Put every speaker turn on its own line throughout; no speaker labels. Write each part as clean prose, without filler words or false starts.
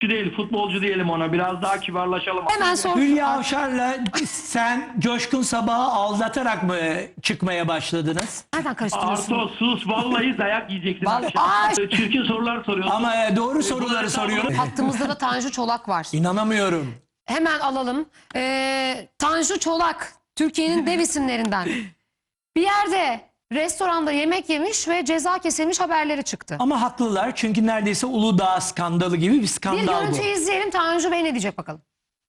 değil, futbolcu diyelim ona. Biraz daha kibarlaşalım.
Hemen sor.
Hülya Avşar'la sen Coşkun Sabah'ı aldatarak mı çıkmaya başladınız?
Nereden karıştırıyorsun?
Arto sus, vallahi dayak yiyeceksin akşam.
Ay!
Çirkin sorular soruyorsun.
Ama doğru soruları soruyorum.
Hattımızda da Tanju Çolak var.
İnanamıyorum.
Hemen alalım. Tanju Çolak, Türkiye'nin dev isimlerinden. Bir yerde restoranda yemek yemiş ve ceza kesilmiş haberleri çıktı.
Ama haklılar çünkü neredeyse Uludağ skandalı gibi bir
Bir
skandal bu.
görüntü izleyelim, Tanju Bey ne diyecek bakalım.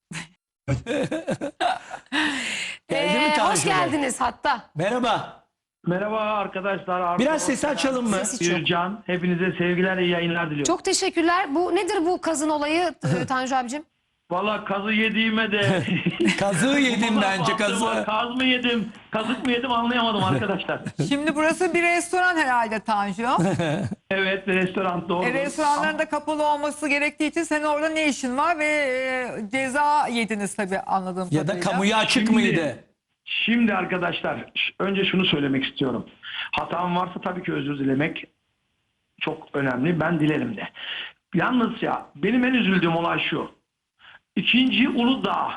Geldi mi Tanju
Hoş
Bey?
geldiniz hatta.
Merhaba.
Merhaba arkadaşlar. Arto,
Biraz sesi açalım mı?
Sesi çok.
Can, hepinize sevgiler, iyi yayınlar diliyorum.
Çok teşekkürler. Bu nedir bu kazın olayı Tanju abicim?
Valla kazı yediğime de...
Kazığı yedim bence, kazığı.
Kaz mı yedim, kazık mı yedim anlayamadım arkadaşlar.
Şimdi burası bir restoran herhalde Tanju.
Evet, restoran doğru.
Restoranların da kapalı olması gerektiği için senin orada ne işin var ve ceza yediniz tabii anladığım
Ya da
kadarıyla.
kamuya açık
Şimdi-
mıydı?
Şimdi arkadaşlar önce şunu söylemek istiyorum. Hatam varsa tabii ki özür dilemek çok önemli. Ben dilerim de. Yalnız ya benim en üzüldüğüm olay şu. 2. Uludağ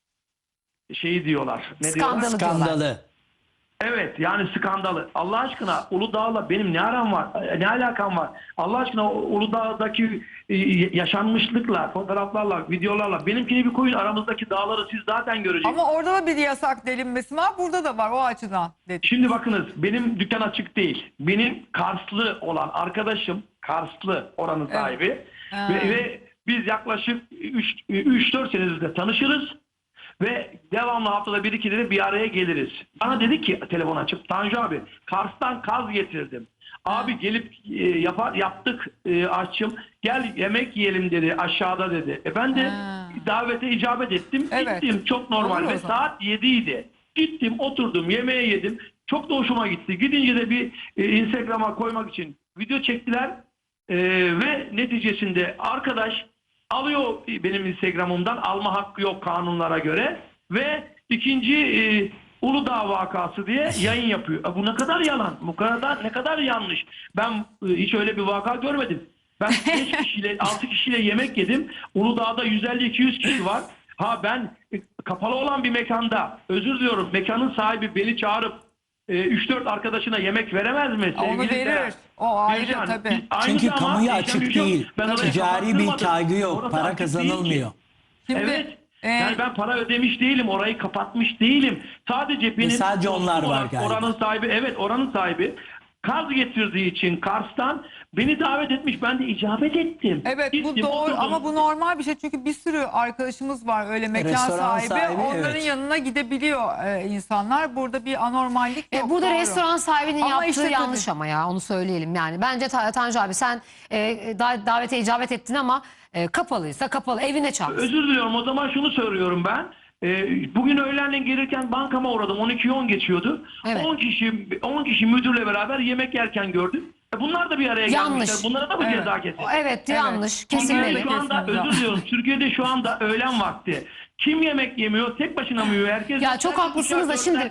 şeyi diyorlar. Ne
Skandalı.
diyorlar?
Skandalı.
Evet yani skandalı. Allah aşkına Uludağ'la benim ne aram var? Ne alakam var? Allah aşkına Uludağ'daki yaşanmışlıkla, fotoğraflarla, videolarla benimkini bir koyun, aramızdaki dağları siz zaten göreceksiniz.
Ama orada da bir yasak delinmesi var. Burada da var o açıdan dedim.
Şimdi bakınız benim dükkan açık değil. Benim Karslı olan arkadaşım Karslı oranın sahibi
Ha.
ve biz yaklaşık 3-4 senedir tanışırız ve devamlı haftada 1-2 de bir araya geliriz. Bana dedi ki telefon açıp Tanju abi Kars'tan kaz getirdim. Abi gelip yaptık aşçım gel yemek yiyelim dedi aşağıda dedi. Ben de davete icabet ettim.
Evet.
Gittim çok normal
Olur o
ve
zaman.
saat 7 idi. Gittim oturdum yemeğe yedim. Çok da hoşuma gitti. Gidince de bir Instagram'a koymak için video çektiler. Ve neticesinde arkadaş alıyor benim Instagram'ımdan alma hakkı yok kanunlara göre ve ikinci Uludağ vakası diye yayın yapıyor. Bu ne kadar yalan, bu kadar ne kadar yanlış. Ben hiç öyle bir vaka görmedim. Ben 5 kişiyle 6 kişiyle yemek yedim. Uludağ'da 150-200 kişi var. Ha ben kapalı olan bir mekanda özür diliyorum mekanın sahibi beni çağırıp 3-4 arkadaşına yemek veremez mi?
Onu
Sevgili
verir.
Seren?
O ayrı
Bircan,
tabii.
biz aynı
Çünkü
zamanda
kamuya
yaşam
açık
yok.
değil.
Ben orayı
Ticari bir
kapattırmadım.
kaygı yok.
Orası
Para
açık değil ki.
kazanılmıyor.
Şimdi,
Evet.
e,
Yani ben para ödemiş değilim. Orayı kapatmış değilim. Sadece benim
sadece onlar var galiba.
oranın sahibi, evet oranın sahibi kaz getirdiği için Kars'tan beni davet etmiş. Ben de icabet ettim.
Evet bu
Gittim,
doğru
oturdum.
ama bu normal bir şey çünkü bir sürü arkadaşımız var öyle mekan
Restoran
sahibi. Onların
evet.
yanına gidebiliyor insanlar. Burada bir anormallik yok.
Burada
doğru.
restoran sahibinin
Ama
yaptığı
işte
yanlış
tabii.
ama ya onu söyleyelim yani. Bence Tanju abi sen davete icabet ettin ama kapalıysa kapalı evine çağır.
Özür diliyorum. O zaman şunu söylüyorum ben. Bugün öğlenleyin gelirken bankama uğradım. 12:10 geçiyordu.
Evet.
10 kişi müdürle beraber yemek yerken gördüm. Bunlar da bir araya
Yanlış.
gelmişler. Bunlara da mı
Evet.
ceza kesin?
Evet yanlış
Türkiye'de
kesilmeli.
şu anda
Kesinlikle.
özür diliyorum. Türkiye'de şu anda öğlen vakti. Kim yemek yemiyor? Tek başına mı yiyor? Herkes
Ya çok haklısınız da şimdi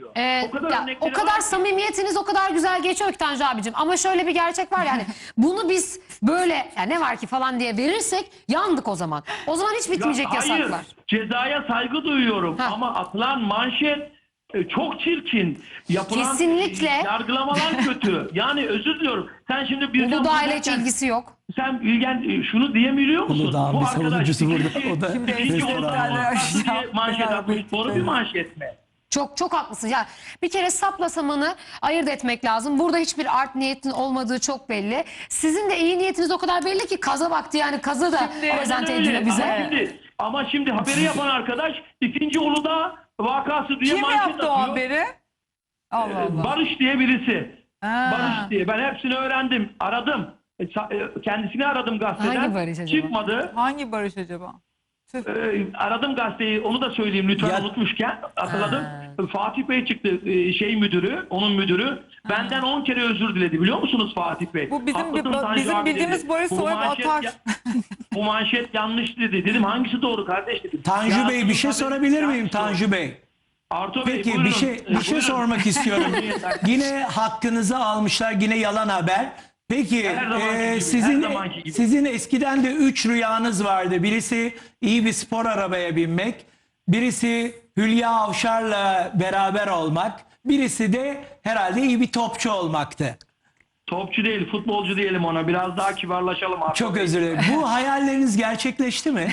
o kadar samimiyetiniz o kadar güzel geçiyor ki Tanju abicim ama şöyle bir gerçek var yani bunu biz böyle ya ne var ki falan diye verirsek yandık o zaman. O zaman hiç bitmeyecek
Hayır,
yasaklar.
cezaya saygı duyuyorum
Ha.
ama atılan manşet çok çirkin. Yapılan
Kesinlikle.
yargılamalar kötü. Yani özür diliyorum. Sen şimdi bir
Uludağ ile hiç ilgisi yok.
sen Bilgen şunu diyemiyor musun?
Uludağ'ın bir savunucusu burada. O da
ikinci
restoran.
Uludağ diye manşet
Beraber
atmış. Doğru bir manşet mi?
Çok haklısın. Ya bir kere sapla samanı ayırt etmek lazım. Burada hiçbir art niyetin olmadığı çok belli. Sizin de iyi niyetiniz o kadar belli ki kaza baktı yani kaza da prezente
Aynen öyle.
ediyor bize.
Ama şimdi haberi yapan arkadaş 2. Uludağ vakası diye
Kim
manşet
yaptı o
atıyor.
haberi? Allah Allah.
Barış diye birisi.
Ha.
Barış diye. Ben hepsini öğrendim. Aradım. Kendisini aradım gazeteden.
Hangi Barış acaba?
Çıkmadı.
Hangi Barış acaba? Tüh.
Aradım gazeteyi. Onu da söyleyeyim lütfen
Ya-
unutmuşken. Hatırladım. Fatih Bey çıktı. Müdürü. Onun müdürü. Benden 10 kere özür diledi. Biliyor musunuz Fatih Bey?
Bu bizim
Haklısın Tanju
bizim
abi
bildiğimiz
dedi.
Barış
Bu
soyup
manşet
atar.
bu manşet yanlış dedi. Dedim hangisi doğru kardeş dedim.
Tanju Bey bir şey sorabilir miyim
yanlış
Tanju Bey?
Arto Bey
Peki
buyurun.
bir şey
Buyurun.
sormak istiyorum. Yine hakkınızı almışlar, yine yalan haber. Peki
Her zamanki gibi,
sizin
her zamanki gibi.
sizin eskiden de 3 rüyanız vardı. Birisi iyi bir spor arabaya binmek, birisi Hülya Avşar'la beraber olmak, birisi de herhalde iyi bir topçu olmaktı.
Topçu değil, futbolcu diyelim ona. Biraz daha kibarlaşalım artık.
Çok özür dilerim. Bu hayalleriniz gerçekleşti mi?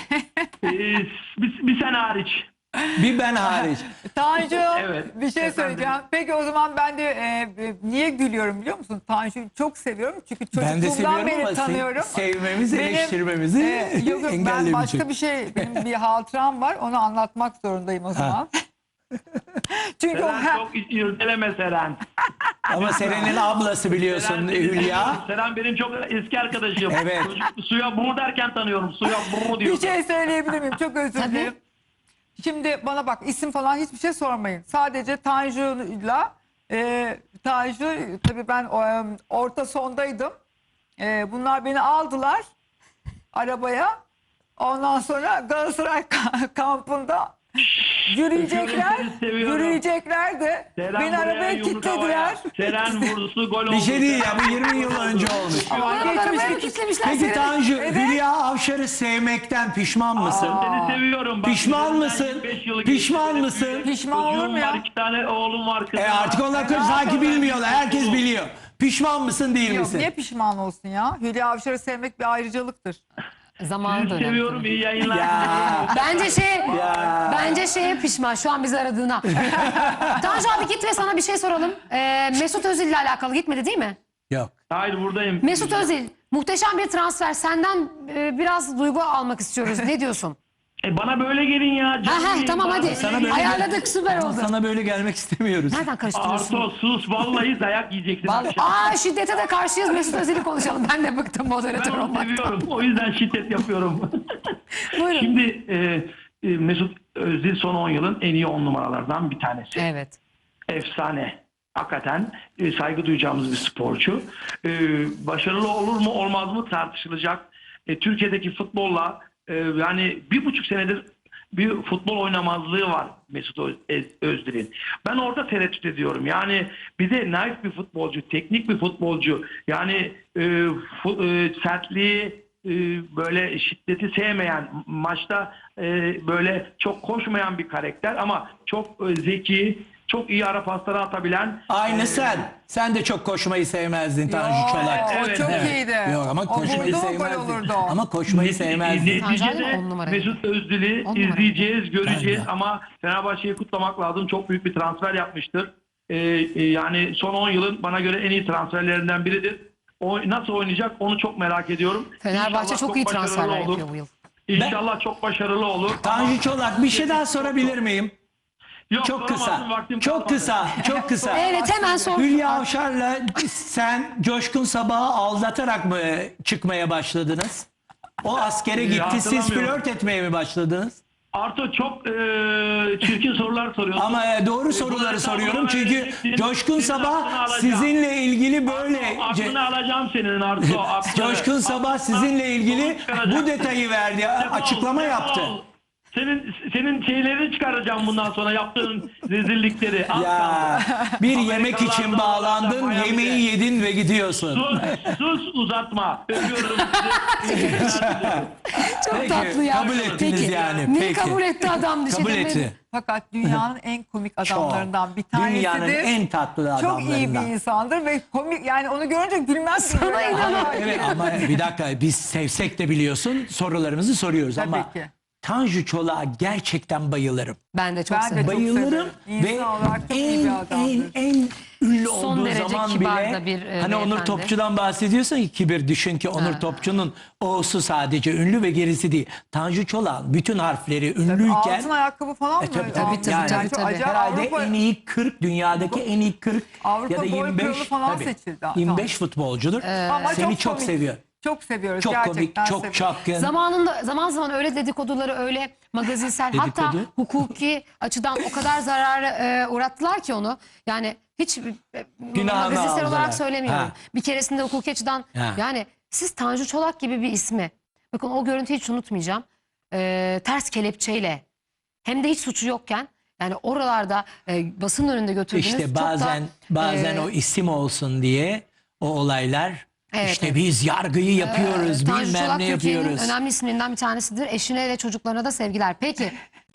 Bir sene hariç.
Bir ben hariç.
Tanju
Evet,
bir şey
efendim.
söyleyeceğim. Peki o zaman ben de niye gülüyorum biliyor musun? Tanju'yu çok seviyorum çünkü
Ben de
çocukluğumdan
seviyorum
beri
ama
tanıyorum.
sevmemiz,
Benim,
eleştirmemizi
yok ben
engellemeyecek.
başka bir şey, benim bir hatıram var, onu anlatmak zorundayım o zaman. Çünkü o
Seren çok irdeleme Seren.
Ama Seren'in ablası biliyorsun Hülya.
Seren benim çok eski arkadaşım.
Evet.
Çocuk, suya buru derken tanıyorum. Suya buru diyor.
bir şey söyleyebilir miyim? Çok özür
Tabii.
dilerim. Şimdi bana bak, isim falan hiçbir şey sormayın. Sadece Tanju'yla Tanju, tabii ben orta sondaydım. Bunlar beni aldılar arabaya. Ondan sonra Galatasaray kampında yürüyecekler.
Seni seviyorum.
Yürüyecekler de
Seren
beni
buraya,
arabaya
yumruk
kilitlediler.
havaya. Seren vurdusu gol oldu.
Bir şey değil ya, bu 20 yıl önce olmuş.
Ama geçmiş
Arabaya
geçmiş.
kilitlemişler
Peki
seni.
Tanju, Hülya Avşar'ı sevmekten pişman mısın?
Seni seviyorum. Bak,
Pişman
üzerinden
mısın?
25 yılı
Pişman
geçti.
mısın?
Pişman olur
Çocuğum
mu ya?
var, 2 tane oğlum var. Kızım
Artık
var.
onlar sanki bilmiyorlar. Herkes biliyor. Pişman mısın değil
Yok,
misin?
niye pişman olsun ya? Hülya Avşar'ı sevmek bir ayrıcalıktır.
Zamanı
Sizi
dönem.
seviyorum. İyi yayınlar.
Ya.
Bence şeye pişman şu an bizi aradığına. Tanju abi git ve sana bir şey soralım. Mesut Özil ile alakalı gitmedi değil mi?
Yok.
Hayır, buradayım.
Mesut Özil muhteşem bir transfer. Senden biraz duygu almak istiyoruz. Ne diyorsun?
Bana böyle gelin ya. Canım
Ha
benim,
tamam
bana
hadi.
böyle
Sana
gelin.
böyle-
Ayarladık, süper
Ama
oldu.
sana böyle gelmek istemiyoruz.
Nereden karıştırıyorsun?
Arto sus, vallahi dayak yiyeceksin akşam.
Şiddete de karşıyız, Mesut Özil'i konuşalım. Ben de bıktım moderatör
Ben onu
olmaktan.
seviyorum. O yüzden şiddet yapıyorum.
Buyurun.
Şimdi Mesut Özil son 10 yılın en iyi 10 numaralardan bir tanesi.
Evet.
Efsane. Hakikaten saygı duyacağımız bir sporcu. Başarılı olur mu olmaz mı tartışılacak. Türkiye'deki futbolla yani 1,5 senedir bir futbol oynamazlığı var Mesut Özil'in. Ben orada tereddüt ediyorum. Yani bir de naif bir futbolcu, teknik bir futbolcu. Yani sertliği, böyle şiddeti sevmeyen, maçta böyle çok koşmayan bir karakter ama çok zeki, çok iyi ara pasları atabilen.
Aynı sen. Sen de çok koşmayı sevmezdin Tanju Çolak.
O
Evet,
çok
evet.
iyiydi.
Yok ama
O
koşmayı
vurdu mu gol
sevmezdin.
olurdu o.
Ama koşmayı sevmezdin.
Tanju abi
Neticede
on numara.
Mesut Özil'i
On numara.
izleyeceğiz, göreceğiz
Ben de.
ama Fenerbahçe'yi kutlamak lazım. Çok büyük bir transfer yapmıştır. Yani son 10 yılın bana göre en iyi transferlerinden biridir. O nasıl oynayacak onu çok merak ediyorum.
Fenerbahçe
İnşallah
çok iyi
başarılı
transferler
olur.
yapıyor bu yıl.
İnşallah çok başarılı olur.
Tanju Çolak, bir şey daha sorabilir miyim?
Yok,
Çok
soramazsın,
kısa.
vaktim
Çok
kalmadı.
kısa. Çok kısa.
Evet, hemen sor.
Hülya Avşar'la sen Coşkun Sabah'ı aldatarak mı çıkmaya başladınız? O askere gitti, siz
hatırlamıyorum.
flört etmeye mi başladınız?
Arto çok çirkin sorular soruyorsun.
Ama doğru soruları
Bu
soruyorum
hesabını
çünkü
vereceksin.
Coşkun
Senin aklını
Sabah
alacağım.
sizinle ilgili böyle...
Aklını alacağım senin Arto. aklını.
Coşkun Sabah
Aklından
sizinle ilgili
sonuç çıkaracağım.
bu detayı verdi,
Defol,
açıklama
defol.
yaptı.
Senin şeylerini çıkaracağım bundan sonra yaptığın rezillikleri. Az
Ya
kaldı.
bir
Amerikalılardan
yemek için bağlandın,
alacağım,
yemeği
Miami'de.
yedin ve gidiyorsun.
Sus uzatma. Öpüyorum sizi.
Çok
Peki,
tatlı ya.
kabul ettiniz
Peki,
yani,
neyi
peki.
kabul etti adam? Bir şey
Kabul
demedi.
etti.
Fakat dünyanın en komik adamlarından bir tanesidir.
Dünyanın en tatlı
Çok iyi bir
adamlarından.
insandır ve komik, yani onu görünce gülmez.
Sana inanamam.
Evet ama bir dakika, biz sevsek de biliyorsun sorularımı soruyoruz
Tabii
ama
ki.
Tanju Çolak'a gerçekten bayılırım.
Ben de çok
Ben de
severim.
çok
Bayılırım
severim.
ve
İnsan olarak çok iyi bir adamdır.
en ünlü
Son
olduğu
derece
zaman
kibar
bile
da bir,
hani Onur
beyefendi.
Topçu'dan bahsediyorsun ki kibir, düşün ki Onur Topçu'nun O'su sadece ünlü ve gerisi değil. Tanju Çolak'ın bütün harfleri ünlüyken
Altın ayakkabı falan mı?
tabii,
almış?
yani
tabii,
çok
tabii.
acayip.
herhalde
Avrupa-
en iyi 40 dünyadaki en iyi 40
Avrupa
ya da
boy
25
kralı falan
tabii,
seçildi.
25 futbolcudur.
Ama
Seni çok
komik.
seviyor.
Çok seviyoruz
Çok komik,
gerçekten.
çok
seviyoruz.
çapkın.
Zamanında zaman zaman öyle dedikoduları, öyle magazinsel, hatta
Dedikodu?
hukuki açıdan o kadar zarara uğrattılar ki onu. Yani hiç magazinsel
aldılar.
olarak söylemiyorum.
Ha.
Bir keresinde hukuki açıdan
Ha.
yani siz Tanju Çolak gibi bir ismi, bakın o görüntüyü hiç unutmayacağım. Ters kelepçeyle, hem de hiç suçu yokken, yani oralarda basının önünde götürdünüz.
İşte
Çok da,
bazen o isim olsun diye o olaylar
Evet,
İşte
evet.
biz yargıyı yapıyoruz,
Tanju
bilmem
Çolak
ne
Türkiye'nin
yapıyoruz.
önemli isimlerinden bir tanesidir. Eşine ve çocuklarına da sevgiler. Peki